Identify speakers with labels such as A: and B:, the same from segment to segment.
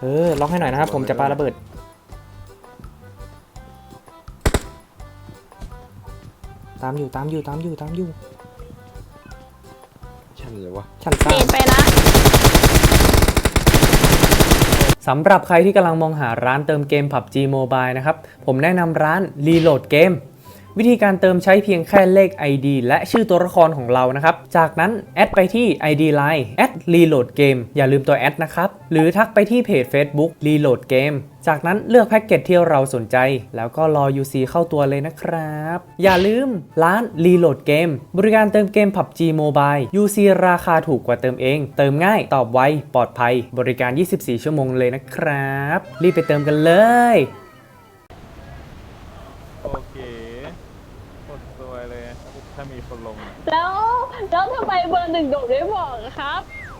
A: ล็อกให้หน่อยนะครับผมจะปาระเบิดตามอยู่ชั้นเลยวะชั้นสาม
B: ไปนะ
A: สำหรับใครที่กำลังมองหาร้านเติมเกม PUBG Mobile นะครับผมแนะนำร้าน Reload Game วิธีการเติมใช้เพียงแค่เลข ID และชื่อตัวละครของเรานะครับจากนั้นแอดไปที่ ID Line @Reload Game อย่าลืมตัวแอดนะครับหรือทักไปที่เพจ Facebook Reload Game จากนั้นเลือกแพ็กเกจที่เราสนใจแล้วก็รอ UC เข้าตัวเลยนะครับอย่าลืมร้าน Reload Game บริการเติมเกม PUBG Mobile UC ราคาถูกกว่าเติมเองเติมง่ายตอบไวปลอดภัยบริการ 24 ชั่วโมงเลยนะครับรีบไปเติมกันเลย
C: โอเคหมดตัวเลยถ้ามีคนลงอะ
B: แล้วทำไมเบอร์หนึ่งโดดไม่บอกอะครับ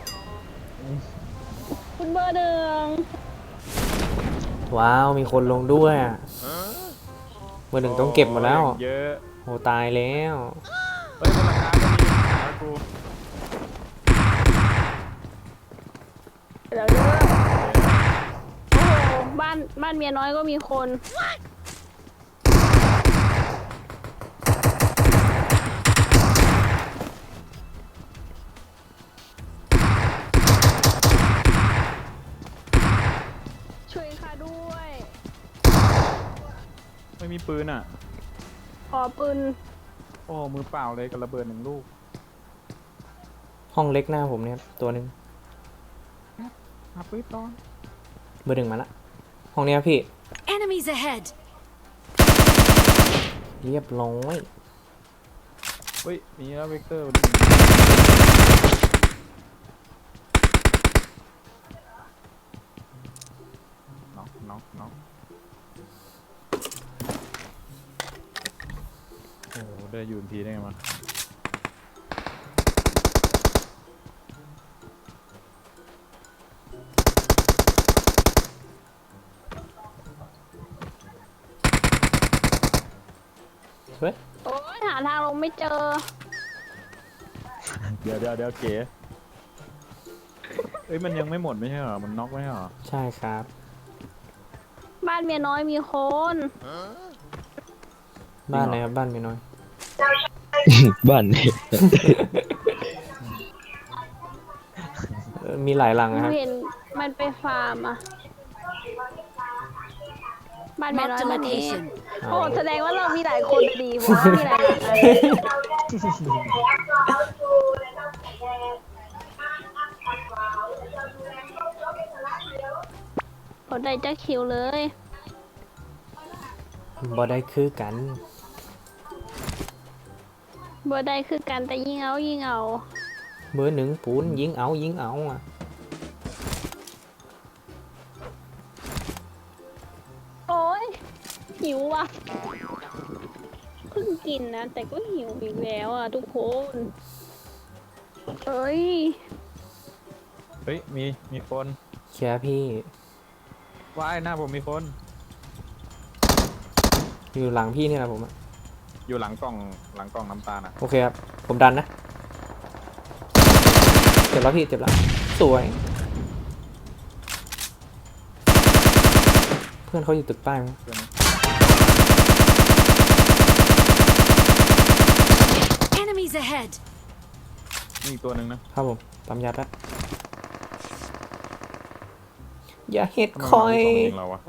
B: คุณเบอร์หนึ่ง
A: ว้าวมีคนลงด้วยอะเบอร์หนึ่งต้องเก็บหมดแล้ว
C: เยอะ
A: โหตายแล้ว
C: เฮ้ยบนหลังคาก็มีหากู
B: แล้วเด้อโอ้โหบ้านเมียน้อยก็มีคนช่วยข้าด้วย
C: ไม่มีปืนอ่ะ
B: ขอปืน
C: โอ้มือเปล่าเลยกับระเบิด1 ลูก
A: ห้องเล็กหน้าผมเนี่ยตัวหนึ่ง
C: หาปืนตอน
A: เบอร์หนึ่งมาละห้องเนี้ยพี่
D: Enemies ahead!
A: เรียบร้อย
C: เฮ้ยมีแล้วเวกเตอร์น็อกโอ้โหได้ยูนพีได้ไงมา
A: เฮ้ย
B: โอ้ยหาทางลงไม่เจอ
C: เดี๋ยวเก๋เอ้ยมันยังไม่หมดไม่ใช่เหรอมันน็อกไม่ใช่เหรอ
A: ใช่ครับ
B: บ้านเมียน้อยมีคน
A: บ้านไหนครับบ้านไม่น้อย
E: บ้านนี่
A: มีหลายหลังนะครับ
B: เห็นมันไปฟาร์มอะบ้านเมียน้อย
D: Marked a
B: บ้านนี้
D: location.
B: โอ้แสดงว่าเรามีหลายคนดีเพราะว่ามีหลายหลังอะผลได้จะคิวเลย
A: บ่ได้คือกัน
B: บ่ได้คือกันแต่ยิงเอา
A: เบอร์หนึ่งปูนยิงเอาอ่ะ
B: โอ้ยหิวว่ะเพิ่งกินนะแต่ก็หิวอีกแล้วอ่ะทุกคนเอ้ย
C: เฮ้ยมีคน
A: เชียร์พี่
C: ว่ายหน้าผมมีคน
A: อยู่หลังพี่นี่แหละผมอะ
C: อยู่หลังกล่องน้ำตาลอ่ะ
A: โอเคครับผมดันนะเจ็บแล้วพี่เจ็บแล้วสวย เพื่อนเขาอยู่ตึกใต้มั้ย
C: เพื่อน
D: Enemies ahead!
C: มีอีกตัวหนึ่งนะครับ
A: ผมปั๊มยาแป๊บอย่าเฮ็ด
C: ทำไม
A: คอย
C: มันมีสองยิงเราวะ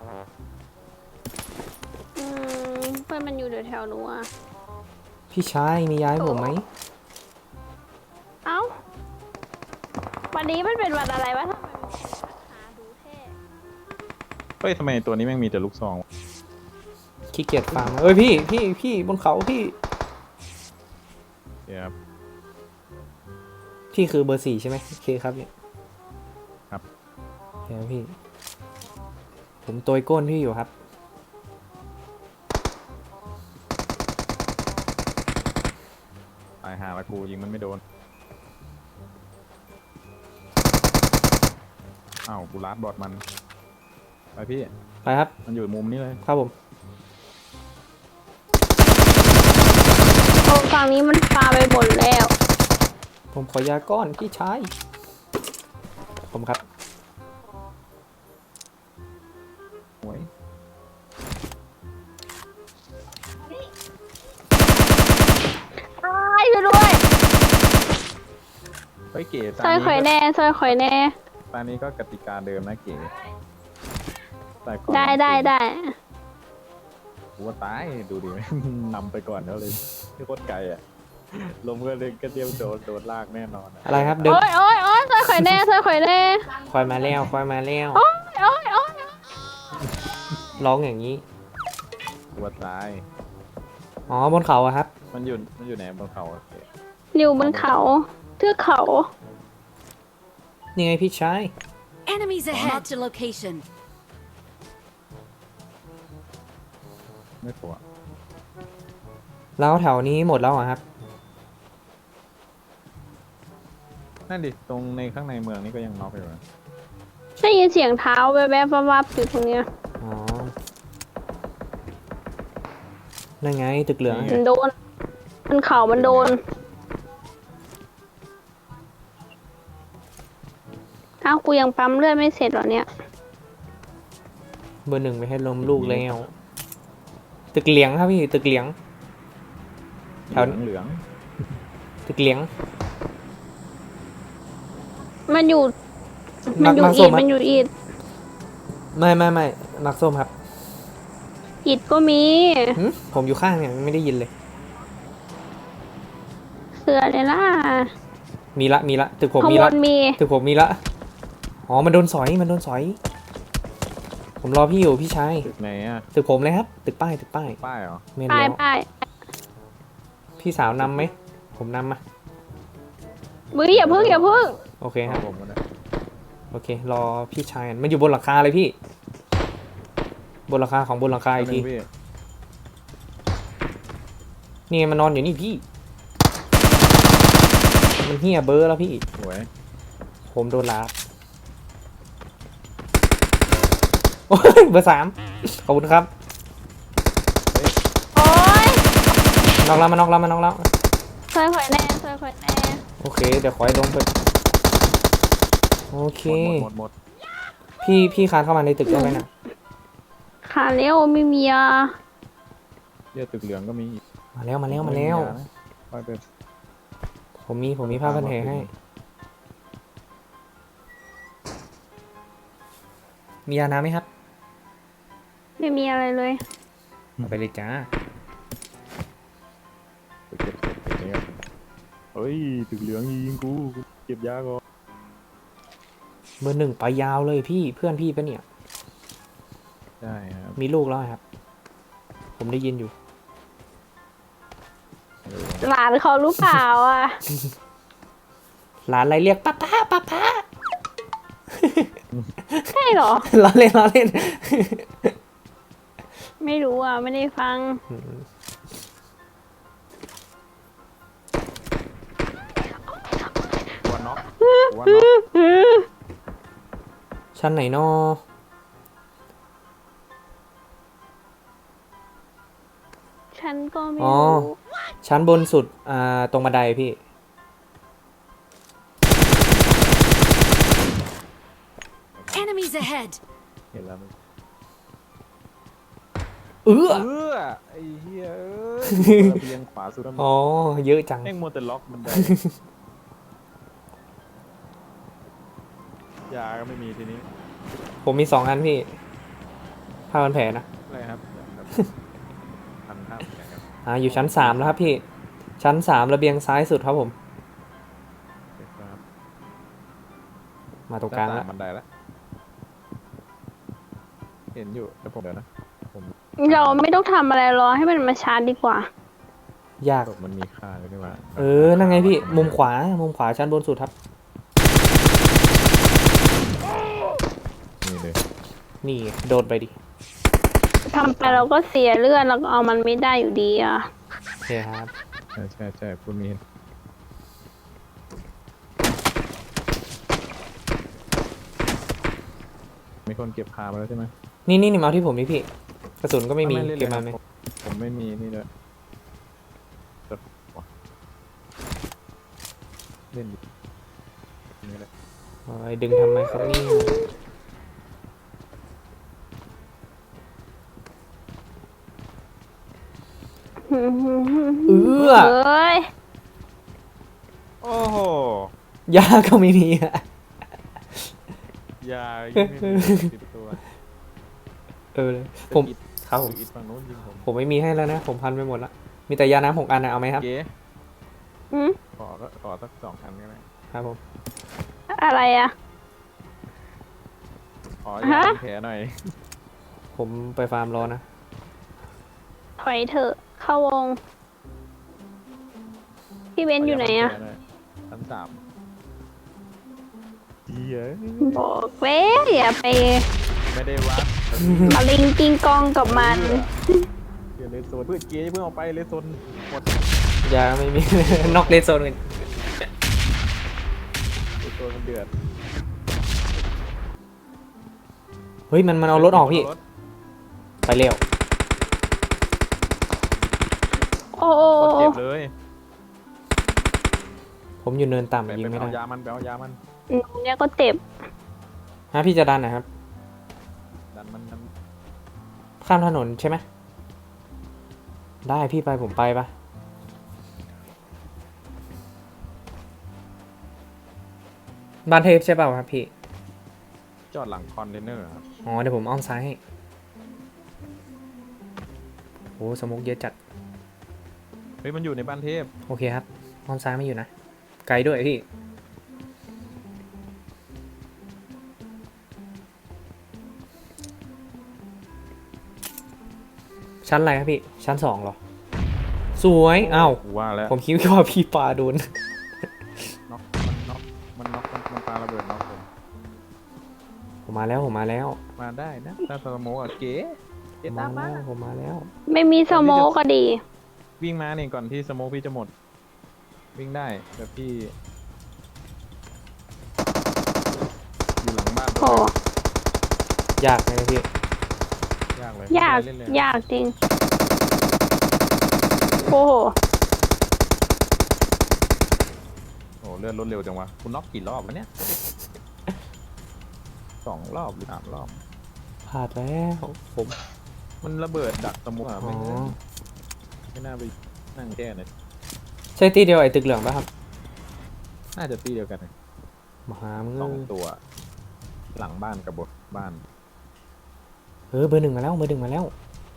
B: เพื่อนมันอยู่แถวๆหนูอ่ะ
A: พี่ชายมีย้ายผมไหม
B: เอ้าวันนี้มันเป็นวันอะไรวะทำไมมันหาดูเท่
C: เฮ้ยทำไมตัวนี้แม่งมีแต่ลูกซองวะ
A: ขี้เกียจฟังเอ้ยพี่บนเขาพี่
C: เดี๋ยวครับ
A: พี่คือเบอร์4ใช่ไหมโอเคครับเนี่ย
C: ครับ
A: เดี๋ยวพี่ ผมตัวก้นพี่อยู่ครับ
C: ตายหาละกูยิงมันไม่โดนอ้าวกูลัดบอดมันไปพี่
A: ไปครับ
C: มันอยู่มุมนี้เลย
A: ครับผม
B: โอ้ฝั่งนี้มันฟาไปหมดแล้ว
A: ผมขอยาก้อนพี่ชายผมครับ
C: ฮ้ยเก๋
B: ซอยข่อยแน่ซอยข่อยแน่
C: ตอนนี้ก็กติกาเดิมนะเก๋แต่ก่อน
B: ได้
C: กูว่าตายดูดิ นำไปก่อนแล้วเลยที่โคตรไกลอ่ะลมก็เลยก็เตรียมโดนลากแน่นอน
A: อะไรครับเดิน
B: โอ้ยซอยข่อยแน่ซอยข่อยแน่
A: คอยมาแล้วคอยมาแล้ว
B: โอ้ย
A: ร้องอย่างนี้
C: กูว่าตาย
A: อ๋อบนเขาอะครับ
C: มันอยู่ไหนบนเขาอะเก๋
B: อยู่บนเขาเทือกเขา
A: นี่ไงพี่ชาย
D: Enemies ahead. Marked a location.
C: ไม่กลัว
A: แล้วแถวนี้หมดแล้วอะครับ
C: นั่นดิตรงในข้างในเมืองนี่ก็ยังน็อกอยู่นะ
B: ได้ยินเสียงเท้าแวบๆวับๆอยู่ตรงเนี้ย
A: อ๋อ นั่นไงตึกเหลือง
B: มันโดนมันเข่ามันโดนอ้าวกูยังปั๊มเลือดไม่เสร็จเหรอเนี่ย
A: เบอร์หนึ่งไปให้ลมลูกแล้ว ตึกเหลียงครับพี่ ตึกเหลียง แถว
C: เหลือง
A: ตึกเหลียง
B: มันอยู่
A: มั
B: มัน
A: ก
B: อยู่
A: มัก
B: อี
A: ส้
B: ด
A: มครับ
B: มันอยู่อีด
A: ไม่มักส้มครับ
B: อีดก็มี
A: หึผมอยู่ข้างเนี่ยไม่ได้ยินเลย
B: เสือเลยล่ะ
A: มีละตึกผม
B: ข้าง
A: มี
B: บ
A: ละ
B: นมี
A: ตึกผมมีละ อ๋อ มันโดนสอย ผมรอพี่อยู่พี่ชาย
C: ตึกไหนอ่ะ
A: ตึกผมเลยครับ ตึกป้าย
C: ป้ายเหรอ
A: เมน
B: ป้าย
A: แล้ว
B: ป้าย
A: พี่สาวนำไหม ผมนำมา
B: มืออย่าพึ่ง
A: โอเคครับ
C: ผมก็ได้
A: โอเค รอพี่ชายกันมันอยู่บนหลังคาเลยพี่ บนหลังคาของบนหลังคาอีกที
C: พี่
A: นี่ไงมันนอนอยู่นี่พี่ มันเหี้ยเบอร์แล้วพี่
C: สวย
A: ผมโดนลาบโอ้ยเบอร์ 3 ขอบคุณครับ
B: โอ้ย
A: นอกแล้ว
B: ซอยข่อยแน่ซอยข่อยแน่
A: โอเค เดี๋ยวขอให้ลงไป โอเค
C: หมด
A: พี่คานเข้ามาในตึกได้ไหมนะ
B: ขาเลี้ยวไม่มีอ่ะ
C: เรียกตึกเหลืองก็มีอีก
A: มาแล้ว
C: ค่อยไป
A: ผมมีผ้าพันแผลให้ มียาน้ำไหมครับ
B: ไม่มีอะไรเลย
A: เอาไปเลยจ้า
C: ไปเก็บศพอย่างเงี้ยเฮ้ยตึกเหลืองยิงกูเก็บยาก่อน
A: เบอร์ 1ไปยาวเลยพี่ เพื่อนพี่ปะเนี่ย
C: ใช่ครับ
A: มีลูกแล้วครับ ผมได้ยินอยู่
B: หลานเขารู้เปล่าอ่ะ
A: หลานอะไรเรียกป้า
B: ใช่เหรอ
A: ล้อเล่น
B: ไม่รู้อ่ะ ไม่ได้ฟัง
C: ตัวน็อกตัวน็อก
A: ชั้นไหนนอ
B: ฉันก็ไม่
A: อ๋อ
B: รู้
A: ชั้นบนสุด ตรงบันไดพี่
D: Enemies ahead.
C: เห็นแล้วมั้ย
A: เออ
C: ไอ้เหี้ยเอ้ยระเบียงขวาสุดแล้ว
A: อ๋อ เยอะจัง
C: แม่งมัวแต่ล็อกมันได้ยาก็ไม่มีทีนี้
A: ผมมี2 อันพี่ผ้าพันแผลนะ
C: อะไรครับพันห้าเหมือนกันครับ
A: อยู่ชั้น 3 แล้วครับพี่ ชั้น 3 ระเบียงซ้ายสุดครับผม
C: ครับ
A: มาตรงกลางแล้ว
C: บันไดแล้วเห็นอยู่แต่ผมเดี๋ยวนะผม
B: เราไม่ต้องทำอะไรรอให้มันมาชาร์จดีกว่า
A: ยาก
C: ศพมันมีค่าเลยนี่หว่า
A: นั่นไงพี่ มุมขวาชั้นบนสุดครับ
C: นี่เลย
A: นี่โดนไปดิ
B: ทำไปเราก็เสียเลือดเราก็เอามันไม่ได้อยู่ดีอ่ะ
A: โอเคครับ
C: ใช่คุณมีคนเก็บพามาแล้วใช่ไหม
A: นี่มาเอาที่ผมนี่พี่ กระสุนก็ไม่มี
C: ล่น
A: เก็บ
C: ล
A: มาย ไหม
C: ผมไม่มีนี่เลยเล่นดินี่เลย
A: โอ้ยดึงทำไมครับนี่
B: เอ
A: เออ
B: เอ้ย
C: โอ้โห
A: ยาก็ไม่มีอะ
C: ยายังไม่มีติดตัว
A: เออผม
C: อิด
A: ครับผม
C: อิดฝั่งนู้นยิงผม
A: ผมไม่มีให้แล้วนะ ผมพันไปหมดละมีแต่ยาน้ำ6 อันนะเอาไหมครับ
C: เก๋
B: อืม
C: ขอสัก2 อันก็ได้
A: ครับผม
B: อะไรอะ
C: ขอยาแผลหน่อย
A: ผมไปฟาร์มรอนะ
B: ถอยเถอะเข้าวง พี่เบนซ์อยู่ไหนอะ
C: ชั้น 3เหี้ย
B: บอกเว้ยอย่าไป
C: ไม่ได้วัด
B: เอาลิงกิงกองกับมัน
C: เดี๋ยวเลโซนเพื่อนเก๋เพิ่งออกไปเลโซนหมด
A: ยาไม่มี นอกเลนโซนกัน
C: เลโซนมันเดือด
A: เฮ้ยมันเอารถออกพี่
C: เารถ
A: ไปเร็ว
B: โอ้โห
C: รถเจ็บเลย
A: ผมอยู่เนิน
C: ไป
A: ต่ำยิงไม่
C: เอา
A: ได้
C: ยามันไปเอายามัน
B: หนูเนี่ยก็เจ็บ
A: ฮะพี่จะดันนะครับ
C: ดันมัน
A: ข้ามถนนใช่ไหมได้พี่ไปผมไปปะบ้านเทพใช่เปล่าครับพี่
C: จอดหลังคอนเทนเนอร์ครับ
A: อ๋อเดี๋ยวผมอ้อมซ้ายให้โอ้สโมุกเยอะจัด
C: เฮ้ยมันอยู่ในบ้านเทพ
A: โอเคครับอ้อมซ้ายไม่อยู่นะ ไกลด้วยพี่ ชั้นอะไรครับพี่ ชั้น 2เหรอ สวยอ้าว
C: กูว่าแล้ว
A: ผมคิดว่าพี่ปาโดน
C: น็อกมันปาระเบิดน็อกผม
A: ผมมาแล้วผมมาแล้ว
C: มาได้นะถ้าสโมกอะเก๋
A: ผมมาแล้วผมมาแล้ว
B: ไม่มีสโมกก็ดี
C: วิ่งมาเนี่ยก่อนที่สโมกพี่จะหมด วิ่งได้แบบพี่อยู่หลังบ้าน
B: โอ้
A: ยากไหมพี่
C: ยากเลย
B: ยาก
C: เล่นเลย
B: ยากจริง โอ้โห
C: โอ้เลื่อนรถเร็วจังวะคุณน็อกกี่รอบวะเนี่ย2 รอบหรือ 3 รอบ
A: พลาดแล้วผม
C: มันระเบิดดักสโมกอะ
A: อ๋อ
C: ไม่น่าไปนั่งแก้เลย
A: ใช่ตีเดียวไอ้ตึกเหลืองป่ะครับ
C: น่าจะตีเดียวกันเลย
A: มหามึง
C: 2 ตัว หลังบ้านกับบนบ้าน
A: เบอร์ 1มาแล้วเบอร์ 1มาแล้ว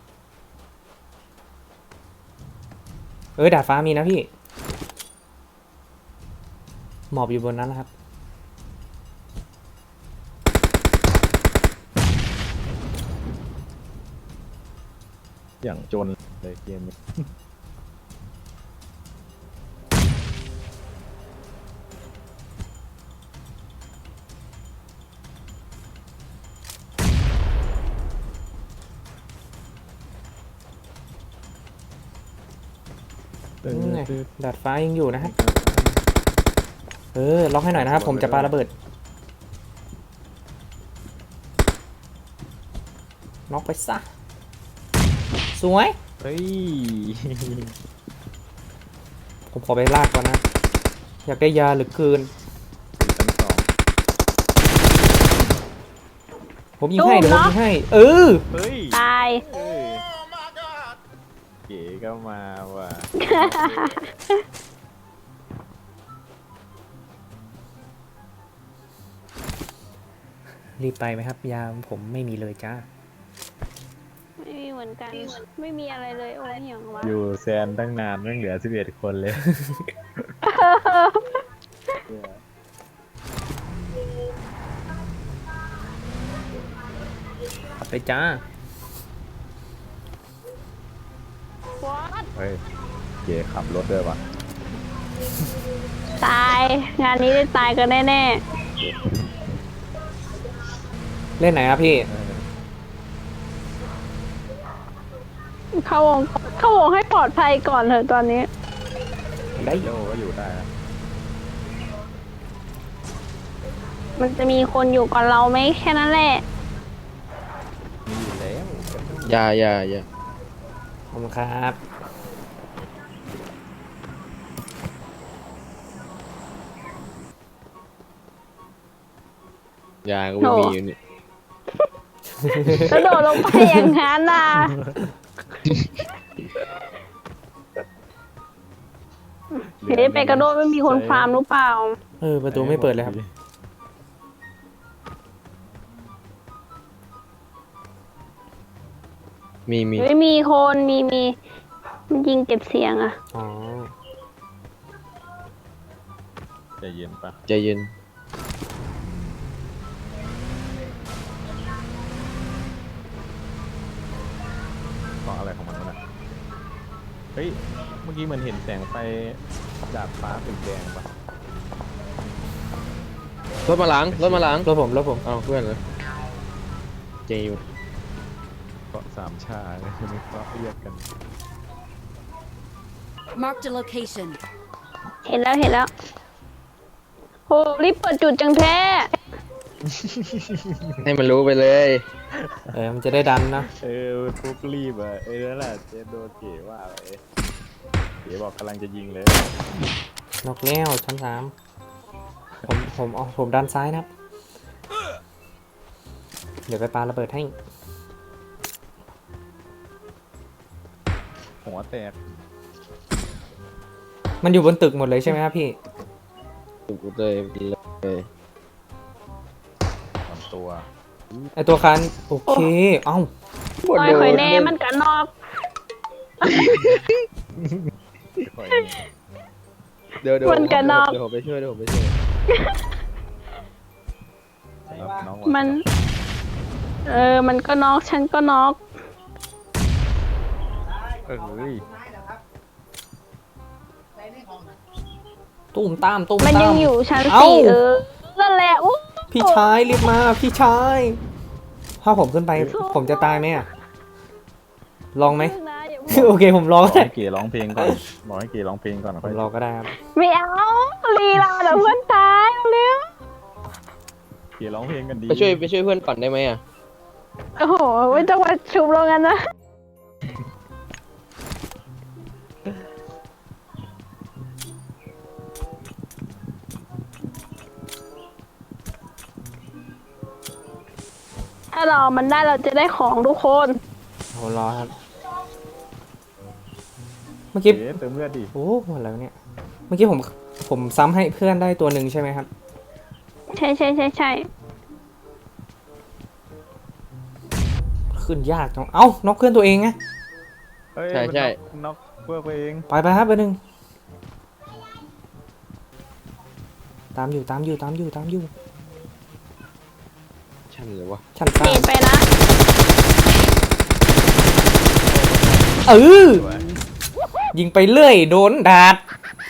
A: ดาดฟ้ามีนะพี่ หมอบอยู่บนนั้นนะครับ
C: อย่างจนเลยเกมนี้
A: นี่ไงดาดฟ้ายังอยู่นะฮะล็อกให้หน่อยนะครับ ผมจะปาระเบิดน็อกไปซะ สวย
C: เฮ้ย
A: ผมขอไปลากก่อนนะ อยากได้ยาเหลือเกิน
C: ชั้น
A: ผมยิงให้เดี๋ยวผมยิงให้
C: 2เฮ้ย
B: ตาย
C: เอ้ยเก๋ก็มาว่ะ
A: รีบไปไหมครับ ยาผมไม่มีเลยจ้า
B: ไม่มีเหมือนกัน ไม่มีอะไรเลย โอ้ยเหี่ยงวะ
C: อยู่แซนตั้งนานไม่เหลือ11 คนเลย
A: ขับไปจ้า
B: What?
C: เฮ้ยเก๋ขับรถด้วยว่ะ
B: ตาย งานนี้ได้ตายกันแน่
A: เล่นไหนครับพี่
B: ๆ เข้าวงให้ปลอดภัยก่อนเถอะตอนนี้
A: ได้
C: โยก็อยู่ได้นะ
B: มันจะมีคนอยู่ก่อนเราไหมแค่นั้นแหละ
C: มีอยู่แล้ว
E: อย่า
A: ขอบคุณครับ
E: ยาก็ไม่มีอยู่นี่
B: กระโดดลงไปอย่างนั้นน่ะเฮ้ยไปกระโดดไม่มีคนฟาร์มหรือเปล่า
A: ประตูไม่เปิดเลยครับ
E: มี
B: ไม่มีคนมีมันยิงเก็บเสียงอะ
A: อ๋อ
C: ใจเย็นปะ
E: ใจเย็น
C: เพราะอะไรของมันวะเนี่ยเฮ้ยเมื่อกี้เหมือนเห็นแสงไฟดาดฟ้าสีแดงปะ
E: รถมาหลัง
A: รถผม
E: เอาเพื่อนเลยเจอยู่
C: เกาะสามชาเลยไม่เกาะเรียกกัน
D: Marked a location.
B: เห็นแล้วโหรีบเปิดจุดจังแท้
E: ให้มันรู้ไปเลย
A: มันจะได้ดันนะ
C: ฟุกรีบอ่ะนั่นแหละเจโดนเก๋ว่าไปเก๋บอกกำลังจะยิงเลย
A: นกแล้วชั้นสามผมดันซ้ายนะครับ เดี๋ยวไปปาระเบิดให้
C: หัวแตก
A: มันอยู่บนตึกหมดเลยใช่ไหมครับพี่
E: ถูกเลยเลย
C: ลำตัว
A: ไอตัวคันโอเค เอ้า
B: ปล่อยข่อยแน่มันกันนอก
C: ค่อย
E: เดี๋ยว
B: มันกระนอก
E: เดี๋ยวผมไปช่วย
C: สำหรับน้อง
B: มัน มันก็นอกฉันก็นอก
C: เฮ้ย
A: ตุ้มตาม
B: มันยังอยู่ชั้น
A: เอ้า
B: สี่นั่นแหละอู้
A: พี่ชายรีบมาพี่ชายถ้าผมขึ้นไปผมจะตายไหมอะลองไหม
B: นะอย่าพูด
A: โอเคผมรอ
C: บอก
A: ก็ได้
C: ให้เก๋ร้องเพลงก่อนบอกให้เก๋ร้องเพลงก่อน
A: ผมรอก็ได้ครับ
B: ไม่เอาลีลาเดี๋ยวเพื่อนตายเร็ว
C: เก๋ร้องเพลงกันดี
E: ไปช่วยเพื่อนปั่นได้ไหมอ่ะ
B: โอ้โหไม่ต้องมาชุบเรากันนะถ้าเรามันได้เราจะได้ของทุกคน
A: ผมรอครับ เมื่อกี้
C: เก๋เติมเลือดดิ
A: โอ้หมดแล้วเนี่ย เมื่อกี้ผมซ้ำให้เพื่อนได้ตัวหนึ่งใช่ไหมครับ
B: ใช่
A: ขึ้นยากจังเอ้านกเพื่อนตัวเองไง
C: เฮ้ย
E: ใช่
C: มันน็อกเพื่อตัวเอง
A: ไปครับไปหนึ่งตามอยู่
E: ช่างเลยวะ
A: ชั้นสา
B: เน
A: ม
B: ตไปนะ
A: ยิงไปเรื่อยโดนดาด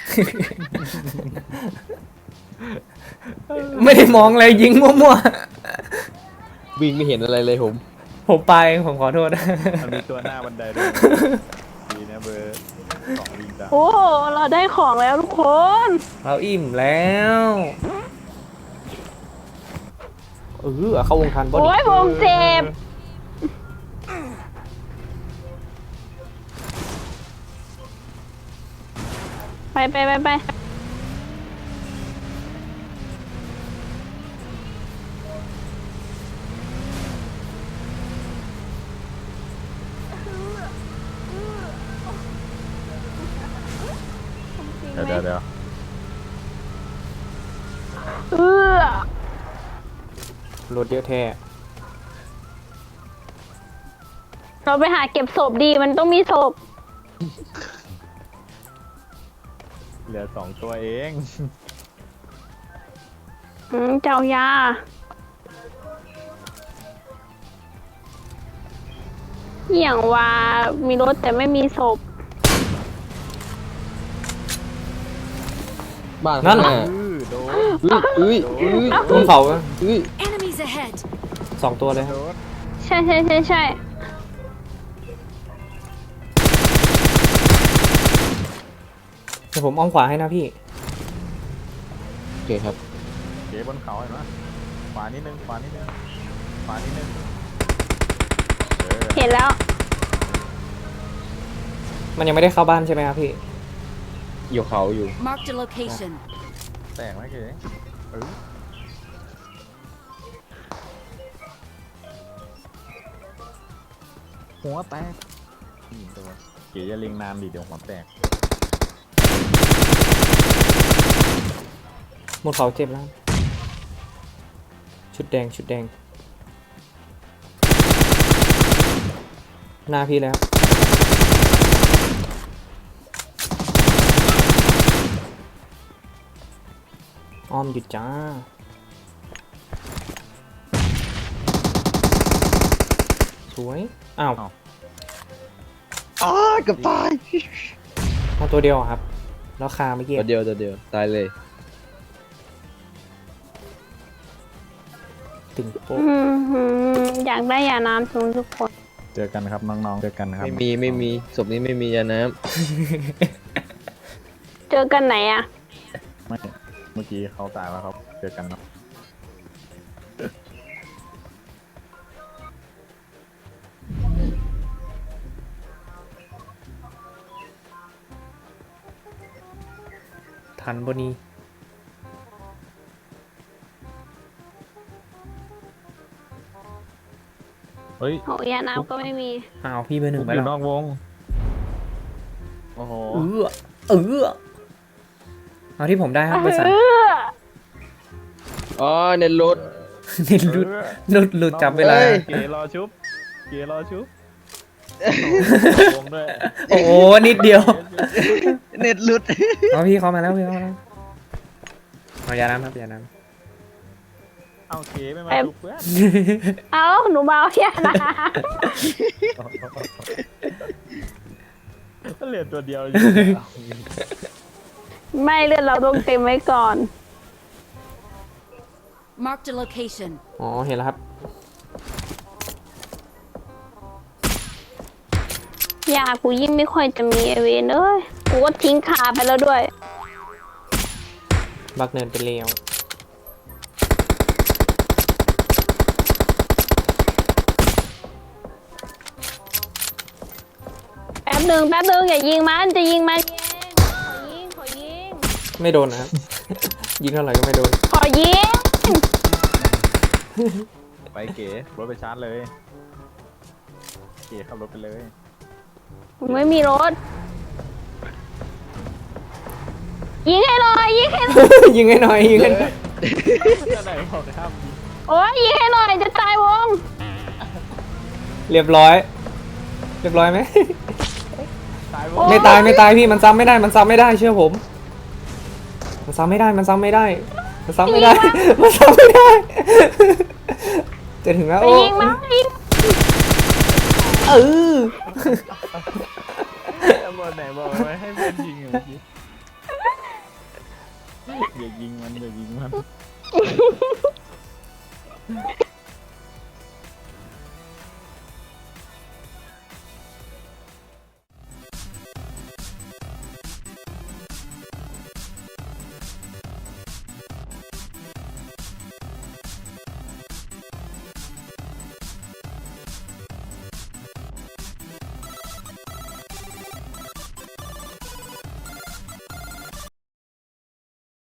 A: ไม่ได้มองอะไรยิงมั่ว
E: วิ่งไม่เห็นอะไรเลยผม
A: ๆผมไปผมขอโทษ
C: มันมีตัวหน้าบันไดด้วยดีนะเบอร์สองลิงจ้ะ
B: โอ้โหเราได้ของแล้วทุกคน
A: เราอิ่มแล้วเข้าวงทันบอ
B: โอ้
A: ดี้
B: ยผมเจ็บไป
C: เดี๋ยว
A: รถเยอะแท้
B: เราไปหาเก็บศพดีมันต้องมีศพ
C: เหลือสองตัวเอง
B: เจ้ายาอย่างว่ามีรถแต่ไม่มีศพ
E: บ้านข้างหน้า
C: โดน
A: บนเขา
D: Enemies ahead.
A: 2 ตัวเลยครับ
C: โดน
B: ใช่
A: เดี๋ยวผมอ้อมขวาให้นะพี่
E: โอเคครับ
C: เก๋บนเขาเห็นไหมขวานิดนึง
B: เห็นแล้ว
A: มันยังไม่ได้เข้าบ้านใช่ไหมครับพี่
E: อยู่เขาอยู่
D: Marked a location.
C: แตกไหมเก๋หัวแตกนี่ตัวเก๋จะเล็งนานดิเดี๋ยวหัวแตก
A: หมดเขาเจ็บแล้ว ชุดแดงชุดแดง หน้าพี่แล้ว อ้อมหยุดจ้า สวย อ้าว
E: อ้าเกับตาย
A: มาตัวเดียวอะครับ แล้วคาเมื่อกี้
E: ตัวเดียวตายเลย
A: ตึงโป๊ะ
B: อยากได้ยาน้ำทุกทุกคน
C: เจอกันครับน้องๆเจอกันครับ
E: ไม่มีศพนี้ไม่มียาน้
B: เจอกันไหนอะ
C: ไม่เมื่อกี้เขาตายแล้วครับเจอกันเนาะ
A: ทันบนี้
C: เฮ้ย
B: โหยาน้ำก็ไม่มี
A: อ้าวพี่เบอร์หนึ่ง
C: ผม
A: ไป
C: อยู่
A: แล้ว
C: นอกวงโอ้โห
A: เอาที่ผมได้ครับเบอร์สาม
E: ำอ๋อเน็ตหลุด
A: นี่หลุดหลุดจับเวลา
E: เอ้ย
C: เกรอชุบเกรอชุบวงด้วย
A: โอ้โหนิดเดียว
E: เน็ตหลุด
A: เอาพี่เขามาแล้วพี่เขามาแล้วเอายาน้ำครับยาน้
C: เอาเกไม่มาชุบเพื่อน
B: เอ้าหนูเบายาน้
C: ก็เหลือตัวเดียวอยู่
B: ำไม่เลือดเราต้องเต็มไว้ก่อน
D: Marked a location.
A: ำอ๋อเห็นแล้วครับ
B: ยากูยิ่งไม่ค่อยจะมีไอเวนเอ้ย กูก็ทิ้งขาไปแล้วด้วย
A: บักเนินไปเลี้ยว
B: แป๊บหนึ่งอย่ายิงมันจะยิงมันเองขอยิง
A: ไม่โดนนะครับ ยิงเท่าไหร่ก็ไม่โดน
B: ขอยิง
C: ไปเก๋รถไปชาร์จเลยเก๋ขับรถไปเลย
B: ผมไม่มีรถ ยิงให้หน่อยยิงให้หน่อย
A: ยิงให้หน่อยยิงให้หน่อย
C: จะไหนบอกครับ
B: โอ้ยยิงให้หน่อยจะตายวง
A: เรียบร้อย เรียบร้อยไหม
C: ตายว
B: โอ้
C: ง
B: ย
A: ไม่ตายพี่มันซ้ำไม่ได้มันซ้ำไม่ได้เชื่อผม มันซ้ำไม่ได้มันซ้ำไม่ได้ มันซ้ำไม่ได้ มันซ้ำไม่ได้ จะถึงแล้ว
B: ไป
A: โอ้
B: ยิงมันยิง
A: เออ
C: บอกไหนบอกไว้ให้เพื่อนยิงอยู่เมื่อกี้อย่ายิงมันอย่ายิงมัน